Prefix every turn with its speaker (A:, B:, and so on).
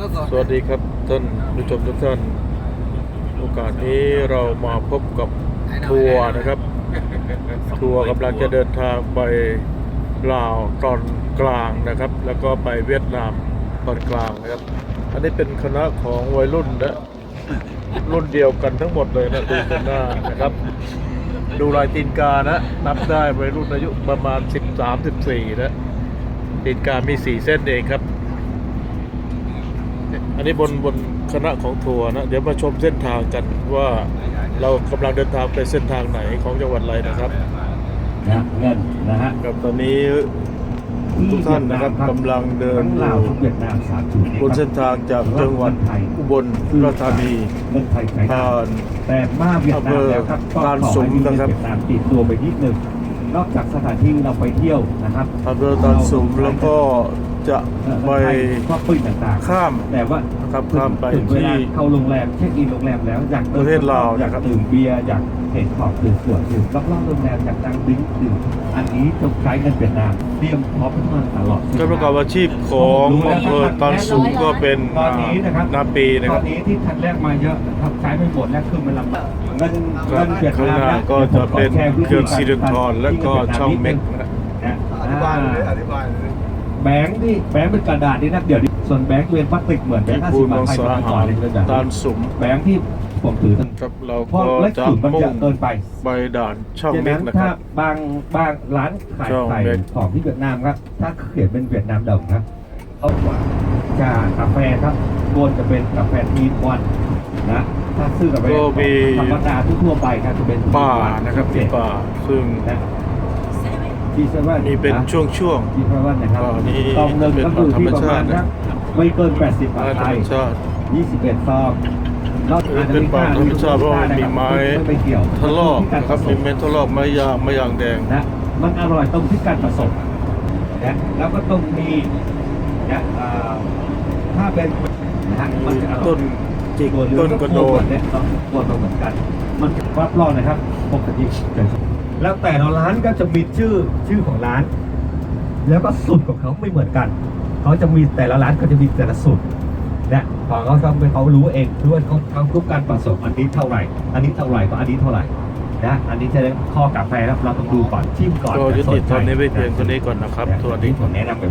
A: สวัสดีครับท่านผู้ชมทุกท่านโอกาสนี้เรามาพบกับทัวร์นะครับทัวร์กำลังจะเดินทางไปลาวตอนกลางนะครับแล้วก็ไปเวียดนามตอนกลางนะครับอันนี้เป็นคณะของวัยรุ่นนะรุ่นเดียวกันทั้งหมดเลยนะดูกันหน้านะครับดูลายตีนกานะนับได้วัยรุ่นอายุประมาณ13-14นะตีนกามี4เส้นเองครับอันนี้บนคณะของทัวร์นะเดี๋ยวมาชมเส้นทางกันว่าเรากำลังเดินทางไปเส้นทางไหนของจังหวัดอะไรนะครับ
B: เงินนะฮะ
A: กับตอนนี้ทุกท่านนะครับกำลังเดินบนเส้นทางจากจังหวัดอุบลราชธานีผ่าน
B: แต่มาเวียดนามแล้วครับ
A: ลานสุมนะครับ
B: เวียดนามติดตัวไปนิดนึงนอกจากสถานที่เราไปเที่ยวนะครับ
A: อำเภอลานสุมแล้วก็จะไปข้าม
B: แต่ว่า
A: ครับข้ามไปที่
B: เข้าโรงแรมเช็คอินโรงแรมแล้วอยาก
A: ประเทศลาว
B: อยากดื่มเบียร์อยากเห็นของดื่มสวนดื่มรอบๆโรงแรมอยากนั่งดื่มอันนี้ต้องใช้เงินเวียดนามเตรียมพร้อมมาตลอด
A: การประกอบอาชีพของอำเภอลานสุมก็เป็นนาปีนะครับ
B: ตอนนี้ที่ทันแรกมาเยอะครับใช้ไม่หมดแล้วคือมันลำบากเงินเวียดนาม
A: ก็จะเป็นเขื่อนสิรินธรและก็ช่องเม็กนะ
C: อธิบายเลย
B: แบงค์เป็นกระดาษนี่นะเดี๋ยวส่วนแบงค์เป็นพลาสติกเหมือนแบงค์50 บาทไทยเป็นก่อนเลย
A: ลานสุม
B: แบงค์ที่ผมถือ
A: ครับเราก็จะมุ่งไปด่านช่องเม็กนะครับ
B: บางร้านขายไข่ของที่เวียดนามครับถ้าเขียนเป็นเวียดนามดำครับเขาว่าจากกาแฟครับโกนจะเป็นกาแฟทีวันนะถ้าซื้อกาแฟธรรมดาทั่วไปครับจะเป็น
A: ป่านะครับเป็นป่าซึ่งนี่เป็นช่วง
B: ที่เพราะว่านะครับซองหนึ่งก็คือที่ประมาณนะไม่เกิน80 บาทไทย21 ซอง
A: เป็นป่าธรรมชาติเพราะมีไม้ทะลอกนะครับมีเม็ดทะลอกไม้ยางแดง
B: นะมันอร่อยตรงที่การผสมนะแล้วก็ตรงมีนะถ้าเป็นนะฮะมันจะ
A: ต้นจิกต้นกระโดด
B: เนี่ยตัวเหมือนกันมันรับรองนะครับปกติแล้วแต่ละร้านก็จะมีชื่อของร้าน แล้วก็สูตรของเขาไม่เหมือนกันเขาจะมีแต่ละร้านก็จะมีแต่ละสูตรเนี่ยของเขารู้เองด้วยเขาทุกการผสมอันนี้เท่าไหร่ก็อันนี้เท่าไหร่นะอันนี้จะได้ข้อกาแฟแล้วเราต้องดูก่อนชิมก่อน
A: ก็ยุติตอนนี้ไปเพียงตัวนี้ก่อนนะครับสวัสดี
B: ผมแนะนำ